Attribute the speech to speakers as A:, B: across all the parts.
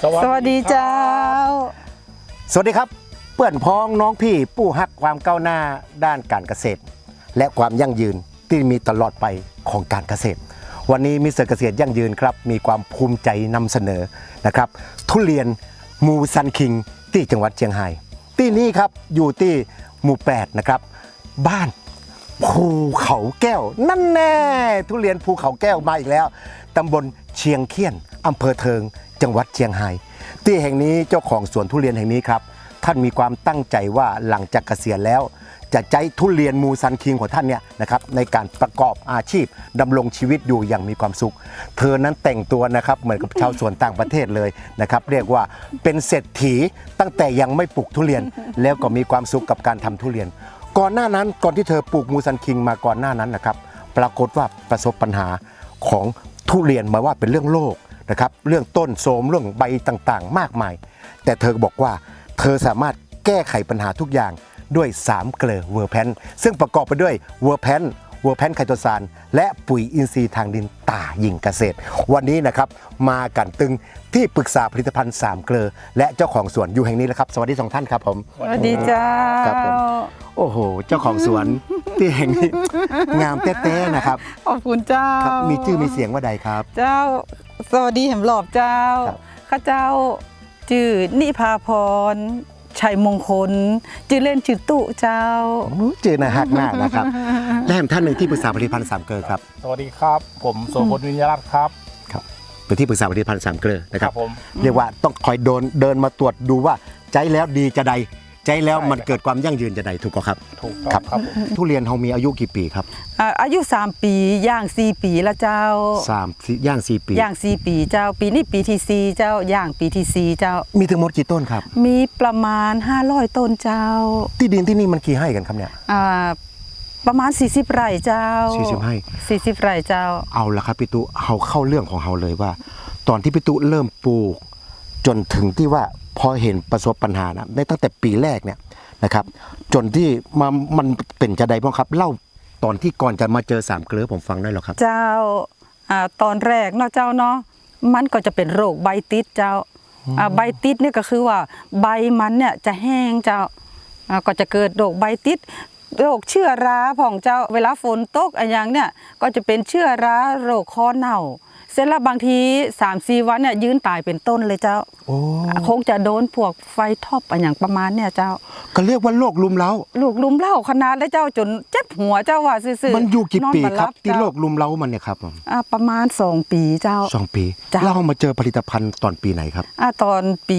A: สวัสดีเจ้า
B: สวัสดีครับเพื่อนพ้องน้องพี่ผู้ฮักความก้าวหน้าด้านการเกษตรและความยั่งยืนที่มีตลอดไปของการเกษตรวันนี้มิสเตอร์เกษตรยั่งยืนครับมีความภูมิใจนำเสนอนะครับทุเรียนมูซันคิงที่จังหวัดเชียงรายที่นี่ครับอยู่ที่หมู่8นะครับบ้านภูเขาแก้วนั่นแน่ทุเรียนภูเขาแก้วมาอีกแล้วตำบลเชียงเคียนอำเภอเทิงจังหวัดเชียงรายที่แห่งนี้เจ้าของสวนทุเรียนแห่งนี้ครับท่านมีความตั้งใจว่าหลังจากเกษียณแล้วจะใช้ทุเรียนมูซันคิงของท่านเนี่ยนะครับในการประกอบอาชีพดำรงชีวิตอยู่อย่างมีความสุขเธอนั้นแต่งตัวนะครับเหมือนกับชาวสวนต่างประเทศเลยนะครับเรียกว่าเป็นเศรษฐีตั้งแต่ยังไม่ปลูกทุเรียนแล้วก็มีความสุขกับการทำทุเรียนก่อนหน้านั้นก่อนที่เธอปลูกมูซันคิงมาก่อนหน้านั้นนะครับปรากฏว่าประสบปัญหาของทุเรียนมาว่าเป็นเรื่องโรคนะครับเรื่องต้นโทรมเรื่องใบต่างๆมากมายแต่เธอบอกว่าเธอสามารถแก้ไขปัญหาทุกอย่างด้วย3เกลือเวอร์แพนซึ่งประกอบไปด้วยเวอร์แพนไคโตซานและปุ๋ยอินทรีย์ทางดินตาหญิงเกษตรวันนี้นะครับมากันตึงที่ปรึกษาผลิตภัณฑ์3เกลือและเจ้าของสวนอยู่แห่งนี้แล้วครับสวัสดี2ท่านครับผม
A: สวัสดีเจ้า
B: ครับผมโอ้โหเจ้าของสวนที่แห่งนี้งามแต้ๆนะครับ
A: ขอบคุณเจ้า
B: มีชื่อมีเสียงว่าใดครับ
A: เจ้าสวัสดีแหมหลอบเจ้าข้าเจ้าชื่อนิพาพรชัยมงคลชื่อเล่นชื่อตุเจ้า
B: ชื่อน่าฮักมากนะครับและแถมท่านหนึ่งที่ปรึกษาผลิตภัณฑ์3เกลือครับ
C: สวัสดีครับผมโสพลวิญญารัตน์ครับ
B: เป็นที่ปรึกษาผลิตภัณฑ์3เกลือนะครับ
C: ผม
B: เรียกว่าต้องคอยเดินมาตรวจดูว่าใจแล้วดีจะใดใจแล้วมันเกิดความยั่งยืนจะใดถูกครับ
C: ถูกครับ
B: ทุเรียนเรามีอายุกี่ปีครับ
A: อายุ3ปีย่าง4ปีแล้วเจ้า
B: 3ย่าง4ปี
A: ย่าง4ปีเจ้าปีนี้ปีที่4เจ้าย่างปีที่4เจ้า
B: มีทั้งหมดกี่ต้นครับ
A: มีประมาณ500ต้นเจ้า
B: ที่ดินที่นี่มันกี่ไร่กันครับเนี่ย
A: ประมาณ40ไร่เจ้า
B: 40ไร่
A: 40ไร่เจ้า
B: เอาละครับพี่ตุเอาเข้าเรื่องของเราเลยว่าตอนที่พี่ตุเริ่มปลูกจนถึงที่ว่าพอเห็นประสบปัญหานะได้ตั้งแต่ปีแรกเนี่ยนะครับจนที่มันเป็นจะใดบ้างครับเล่าตอนที่ก่อนจะมาเจอ3เกลือผมฟังได้หรอครับ
A: เจ้าตอนแรกเนาะเจ้าเนาะมันก็จะเป็นโรคใบติดเจ้าใบติดเนี่ยก็คือว่าใบมันเนี่ยจะแห้งเจ้าก็จะเกิดโรคใบติดโรคเชื้อราของเจ้าเวลาฝนตกอะไรอย่างเนี่ยก็จะเป็นเชื้อราโรคคอเน่าเสร็จแล้วบางที 3-4 วันเนี่ยยืนตายเป็นต้นเลยเจ้าคงจะโดนพวกไฟท็อปอะไรอย่างประมาณเนี่ยเจ้า
B: ก็เรียกว่าโรคลุมเล้า
A: ขนาดแล้วเจ้าจนเจ็บหัวเจ้าว่าซื่อ
B: ๆมันอยู่กี่ปีครับที่โรคลุมเล้ามันเนี่ยครับ
A: ประมาณ2ปีเจ้า
B: 2ปีเรามาเจอผลิตภัณฑ์ตอนปีไหนครับ
A: ตอนปี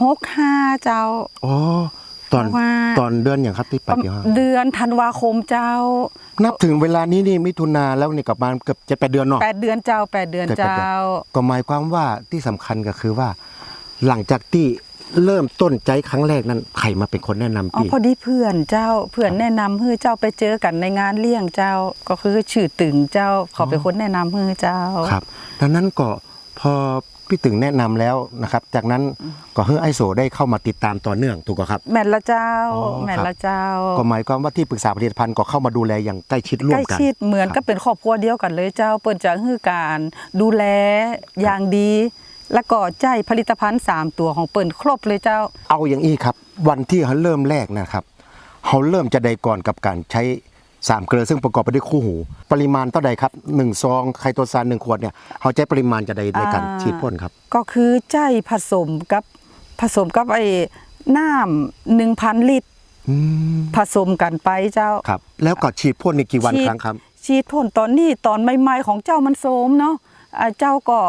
A: 65เจ้า
B: ตอนเดือนอย่างครับที่ปี65
A: เดือนธันวาคมเจ้า
B: นับถึงเวลานี้นี่มิถุนาแล้วนี่กลับมาเกือบ7-8 เดือนเนาะ
A: 8 เดือนเจ้า8 เดือนเจ้า
B: ก็หมายความว่าที่สำคัญก็คือว่าหลังจากที่เริ่มต้นใจครั้งแรกนั้นใครมาเป็นคนแนะนำพี่
A: พอดีเพื่อนแนะนำให้เจ้าไปเจอกันในงานเลี้ยงเจ้าก็คือชื่อตึงเจ้าเขาเป็นคนแนะนำให้เจ้า
B: ครับดังนั้นก็พอพี่ตึงแนะนำแล้วนะครับจากนั้นก็ให้ไอโซได้เข้ามาติดตามต่อเนื่องถูกครับ
A: แม่ละเจ้า
B: ก็หมายความว่าที่ปรึกษาผลิตภัณฑ์ก็เข้ามาดูแลอย่างใกล้ชิดร่วมกัน
A: ใกล้ชิดเหมือนก็เป็นครอบครัวเดียวกันเลยเจ้าเปิ้นจะให้การดูแลอย่างดีแล้วก็ใจผลิตภัณฑ์3ตัวของเปิ้นครบเลยเจ้า
B: เอาอย่างนี้ครับวันที่เขาเริ่มแรกนะครับเขาเริ่มจะใดก่อนกับการใช้3เกลือซึ่งประกอบไปด้วยคู่หูปริมาณเท่าใดครับ1ซองไคโตซาน1ขวดเนี่ยเขาใช้ปริมาณจะใดในการฉีดพ่นครับ
A: ก็คือใจผสมกับไอ้น้ำ 1,000 ลิตรผสมกันไปเจ้า
B: ครับแล้วก็ฉีดพ่นในกี่วันครั้งครับ
A: ฉีดพ่นตอนนี้ตอนใหม่ๆของเจ้ามันโสมเนาะเจ้าก็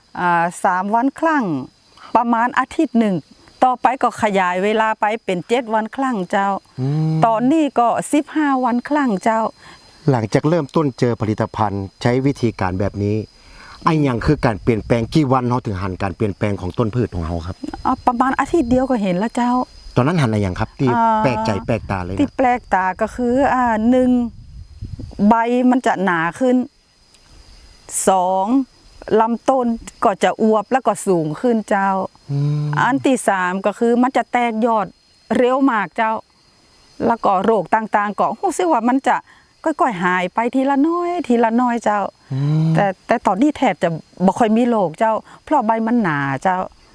A: 3 วันครั้งประมาณอาทิตย์หนึ่งต่อไปก็ขยายเวลาไปเป็น7 วันครั้งเจ้าตอนนี้ก็15 วันครั้งเจ้า
B: หลังจากเริ่มต้นเจอผลิตภัณฑ์ใช้วิธีการแบบนี้ไอ้ยังคือการเปลี่ยนแปลงกี่วันเราถึงหันการเปลี่ยนแปลงของต้นพืชของเราครับ
A: ประมาณอาทิตย์เดียวก็เห็นแล้วเจ้า
B: ตอนนั้นหันอะไรอย่างครับที่แปลกใจแปลกตาเลย
A: ที่แปลกตาก็คือ1ใบมันจะหนาขึ้น2ลำต้นก็จะอวบแล้วก็สูงขึ้นเจ้าอันที่3ก็คือมันจะแตกยอดเร็วมากเจ้าแล้วก็โรคต่างๆก็รู้สึกว่ามันจะค่อยๆหายไปทีละน้อยเจ้าแต่ตอนนี้แทบจะบ่ค่อยมีโรคเจ้าเพราะใบมันหนาเจ้า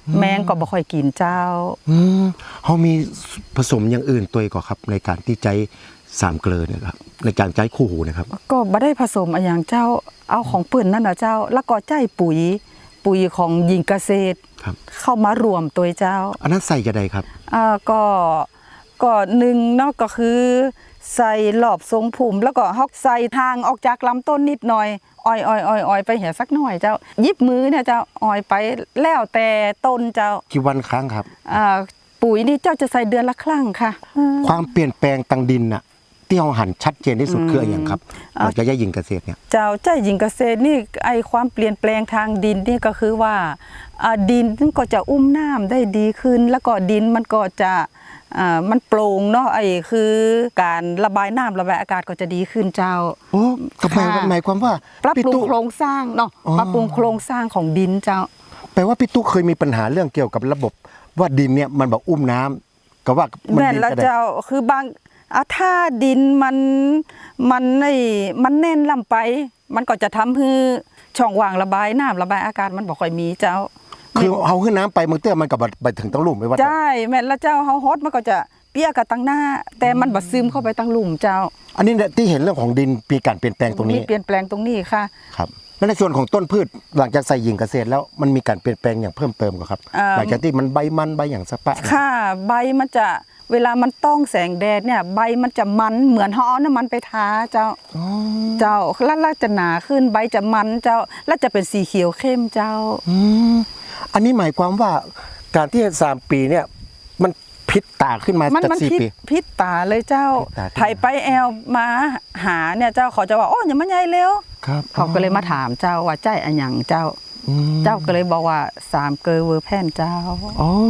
A: แมงก็บ่ค่อยกินเจ้า
B: เขามีผสมอย่างอื่นตัวก่อนครับในการที่ใช้สามเกลือเนี่ยครับในการใช้คู่หูนะครับ
A: ก็บ่ได้ผสมอะไรอย่างเจ้าเอาของเปิ้นนั่นน่ะเจ้า แล้วก็ใจปุ๋ยของหญิงเกษตร
B: ครับ
A: เข้ามารวมตัวเจ้า
B: อันนั้นใส่จะได้ครับ
A: ก็หนึ่งเนาะก็คือใส่หลอบทรงผุ่มแล้วก็ฮอกใส่ทางออกจากลำต้นนิดหน่อยอ้อยไปเหี่ยสักหน่อยเจ้ายิบมือเนี่ยเจ้าอ้อยไปแล้วแต่ต้นเจ้า
B: กี่วันครั้งครับ
A: ปุ๋ยนี่เจ้าจะใส่เดือนละครั้งค่ะ
B: ความเปลี่ยนแปลงตังดินน่ะที่เราหันชัดเจนที่สุดคืออะไรอย่างครับเราจะแย่ยิงเกษตรเนี่ย
A: เจ้าใจหญิงเกษตรนี่ไอความเปลี่ยนแปลงทางดินนี่ก็คือว่าดินมันก็จะอุ้มน้ำได้ดีขึ้น แล้วก็ดินมันก็จะมันโปร่งเนาะไอคือการระบายน้ำระบายอากาศก็จะดีขึ้นเจ้า
B: โอ้ก็หมายความว่า
A: ปรับปรุ
B: พี่
A: ง
B: ตุ๊
A: โครงสร้างเนาะ
B: อ๋อ
A: ปรับปรุงโครงสร้างของดินเจ้า
B: แปลว่าพี่ตุ๊เคยมีปัญหาเรื่องเกี่ยวกับระบบว่าดินเนี่ยมันแบบอุ้มน้ำก็ว่ามัน
A: แม่น
B: ดิน
A: แล้ว
B: ก็ได้
A: เจ้าคือบางถ้าดินมันแน่นลำไป มันก็จะทำให้ช่องว่างระบายน้ำระบายอากาศมันบ่ค่อยมีเจ้า
B: คือเอาขึ้นน้ำไปมือเตื้อมันกับไปถึงตั้งหลุมไม่ว่า
A: ใช่แม่นแล้วเจ้าเฮาฮดมันก็จะเปียกกับตั้งหน้า แต่มันบ่ซึมเข้าไปตั้งหลุมเจ้า
B: อันนี้เนี่ยที่เห็นเรื่องของดินมีการเปลี่ยนแปลงตรงนี้
A: มีเปลี่ยนแปลงตรงนี้ค่ะ
B: ครับแล้วในส่วนของต้นพืชหลังจากใส่หญิงเกษตรแล้วมันมีการเปลี่ยนแปลงอย่างเพิ่มเติมกว่าครับหลังจากที่มันใบมันใบอย่างสะปะ
A: ค่ะใบมันจะเวลามันต้องแสงแดดเนี่ยใบมันจะมันเหมือนห่อน้ำมันไปทาเจ้าเจ้าแล้วจะหนาขึ้นใบจะมันเจ้าแล้วจะเป็นสีเขียวเข้มเจ้า
B: อันนี้หมายความว่าการที่3 ปีเนี่ยมันพิษตาขึ้นมา
A: มัน
B: จาก4 ปี
A: พิษตาเลยเจ้า
B: พิษตาขึ้นมา
A: ไถไปแอลมาหาเนี่ยเจ้าเขาจะว่าโอ้ยอย่ามาใหญ่เร็ว
B: ครับ
A: เขาก็เลยมาถามเจ้าว่าใจอันหยังเจ้า เจ้าก็เลยบอกว่า3 เกลอเวอร์แพนเจ้า
B: อ๋อ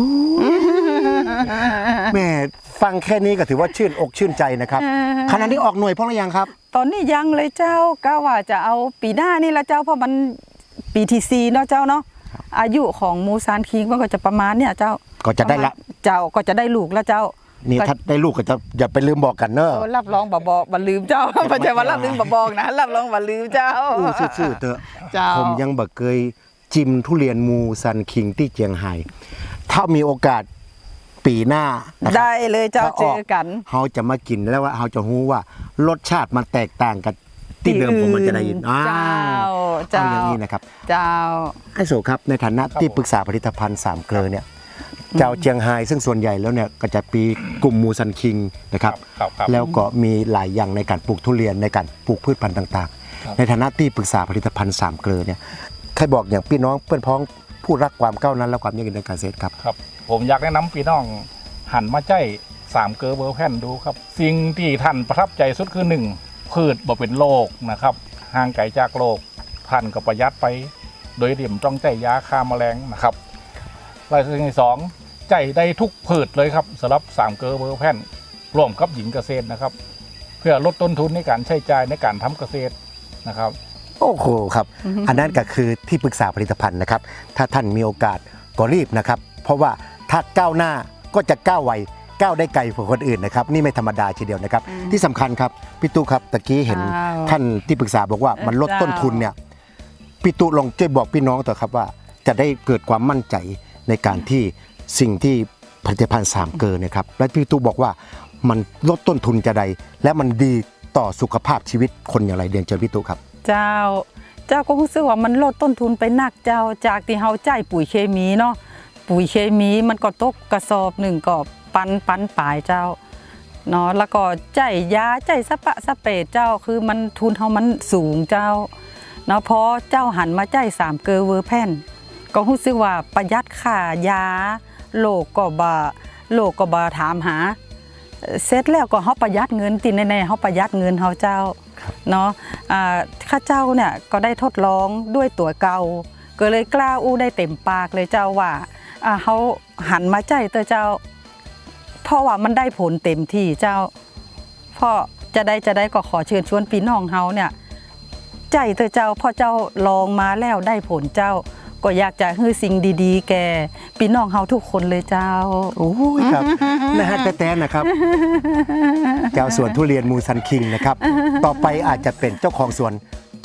B: แม่ฟังแค่นี้ก็ถือว่าชื่นอกชื่นใจนะครับขณะนี้ออกหน่วยเพราะอะไรยังครับ
A: ตอนนี้ยังเลยเจ้าก็ว่าจะเอาปีหน้านี่ละเจ้าเพราะมันปีที่ 4เนาะเจ้าเนาะอายุของมูซานคิงมันก็จะประมาณเนี่ยเจ้า
B: ก็จะได้ละ
A: เจ้าก็จะได้ลูกแล้วเจ้า
B: นี่ถ้าได้ลูกก็จะอย่าไปลืมบอกกันเนอะ
A: รับรองบ่บอกบ่ลืมเจ้า ไม่ใช่ว่ารับลืมบ่บอกนะรับรองบ่ลืมเจ้า
B: อู้ซื่อๆเถอะ
A: เจ้า
B: ผมยังบ่เคยจิ้มทุเรียนมูซันคิงที่เจียงไฮ้ถ้ามีโอกาสปีหน้านะครับ
A: ได้เลยเจ้า
B: ถ้
A: เจอกัน
B: เขาจะมากินแล้วว่าเขาจะรู้ว่ารสชาติมันแตกต่างกันที่เดิมผมมันจะได้ยิน
A: เจ้า
B: เอา
A: เจ้า
B: อย่างนี้นะครับ
A: เจ้า
B: ไอ้โสครับในฐานะที่ปรึกษาผลิตภัณฑ์3 เกลอเนี่ยเจ้าเจียงไฮ้ซึ่งส่วนใหญ่แล้วเนี่ยก็จะปีกลุ่มมูซันคิงนะครับ
C: ครับ
B: แล้วก็มีหลายอย่างในการปลูกทุเรียนในการปลูกพืชพันธุ์ต่างๆ ในฐานะที่ปรึกษาผลิตภัณฑ์3 เกลอเนี่ยใครบอกอย่างพี่น้องเพื่อนพ้องผู้รักความก้าวหนั้นและความยั่งยืนในการเกษตรครับ
C: ครับ ผมอยากแนะนำพี่น้องหันมาใจ3 เกลอเวอร์แพนดูครับ สิ่งที่ท่านประทับใจสุดคือ 1 พืชบ่เป็นโรคนะครับห่างไกลจากโรคท่านก็ประหยัดไป โดยเดี่ยมต้องใจยาฆ่าแมลงนะครับและสิ่งที่ 2 ใจได้ทุกพืชเลยครับสำหรับ3 เกลอเวอร์แพนร่วมกับหญิงเกษตรนะครับ เพื่อลดต้นทุนในการใช้จ่ายในการทำเกษตรนะครับ
B: โอ้โหครับ อันนั้นก็คือที่ปรึกษาผลิตภัณฑ์นะครับ ถ้าท่านมีโอกาสก็รีบนะครับ เพราะว่าถ้าก้าวหน้าก็จะก้าวไวก้าวได้ไกลกว่าคนอื่นนะครับ นี่ไม่ธรรมดาทีเดียวนะครับ ที่สำคัญครับพี่ตู้ครับตะกี้เห็นท่านที่ปรึกษาบอกว่ามันลดต้นทุนเนี่ยพี่ตู้ลองช่วยบอกพี่น้องต่อครับว่าจะได้เกิดความมั่นใจในการที่สิ่งที่ผลิตภัณฑ์3 เกลอเนี่ยครับและพี่ตู้บอกว่ามันลดต้นทุนจะใดและมันดีต่อสุขภาพชีวิตคนอย่างไรเรียนเชิญพี่ตู้ครับ
A: เจ้าก็รู้สึกว่ามันลดต้นทุนไปนักเจ้าจากที่เฮาจ่ายปุ๋ยเคมีเนาะปุ๋ยเคมีมันก็ตกกระสอบหนึ่งก็ปันปลายเจ้าเนาะแล้วก็จ่ายยาจ่ายสปะสเปรดเจ้าคือมันทุนเฮามันสูงเจ้าเนาะพอเจ้าหันมาจ่าย3 เกลอเวอร์แพนก็รู้สึกว่าประหยัดค่ายาโลกก็บ่ถามหาเสร็จแล้วก็เฮาประหยัดเงินติแน่ๆเฮาประหยัดเงินเฮาเจ้าเนาะข้าเจ้าเนี่ยก็ได้ทดลองด้วยตัวเก่าก็เลยกล้าอู้ได้เต็มปากเลยเจ้าว่าเฮาหันมาใจเตอเจ้าเพราะว่ามันได้ผลเต็มที่เจ้าเพราะจะได้ก็ขอเชิญชวนพี่น้องเฮาเนี่ยใจเตอเจ้าพอเจ้าลองมาแล้วได้ผลเจ้าก็อยากจะให้สิ่งดีๆแก่พี่น้องเฮาทุกคนเลยเจ้า
B: โอ้ยครับ นะฮะแต่นะครับ เจ้าสวนทุเรียนมูซันคิงนะครับ ต่อไปอาจจะเป็นเจ้าของสวนทุ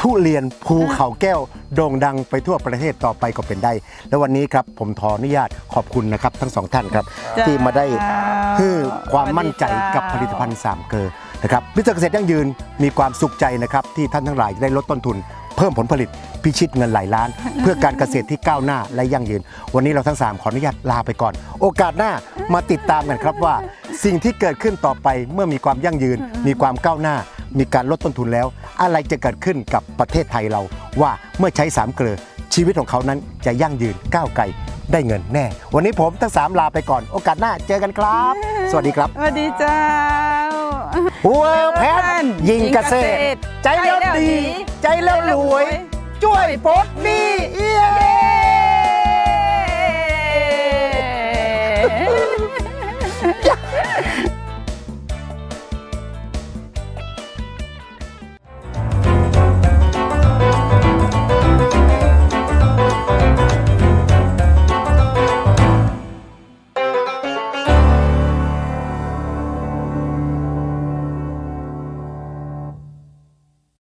B: ทุเรียนภูเขาแก้วโด่งดังไปทั่วประเทศต่อไปก็เป็นได้ และวันนี้ครับผมขออนุญาตขอบคุณนะครับทั้งสองท่านครับ
A: จ้า
B: ที่มาได้ให้ความมั่นใจกับผลิตภัณฑ์สามเกลอนะครับมิสเตอร์เกษตรยั่งยืนมีความสุขใจนะครับที่ท่านทั้งหลายจะได้ลดต้นทุน เพิ่มผลผลิตพิชิตเงินหลายล้าน เพื่อการเกษตรที่ก้าวหน้าและยั่งยืน วันนี้เราทั้ง 3 ขออนุญาตลาไปก่อน โอกาสหน้ามาติดตามกันครับว่า สิ่งที่เกิดขึ้นต่อไปเมื่อมีความยั่งยืน มีความก้าวหน้า มีการลดต้นทุนแล้ว อะไรจะเกิดขึ้นกับประเทศไทยเรา ว่าเมื่อใช้3เกลือชีวิตของเขานั้นจะยั่งยืนก้าวไกลได้เงินแน่ วันนี้ผมทั้ง 3 ลาไปก่อน โอกาสหน้าเจอกันครับ สวัสดีครับ
A: สวัสดีเจ้า
B: หัวแพนยิงเกษตร ใจแล้วดี ใจแล้วรวย ช่วยปลดหนี้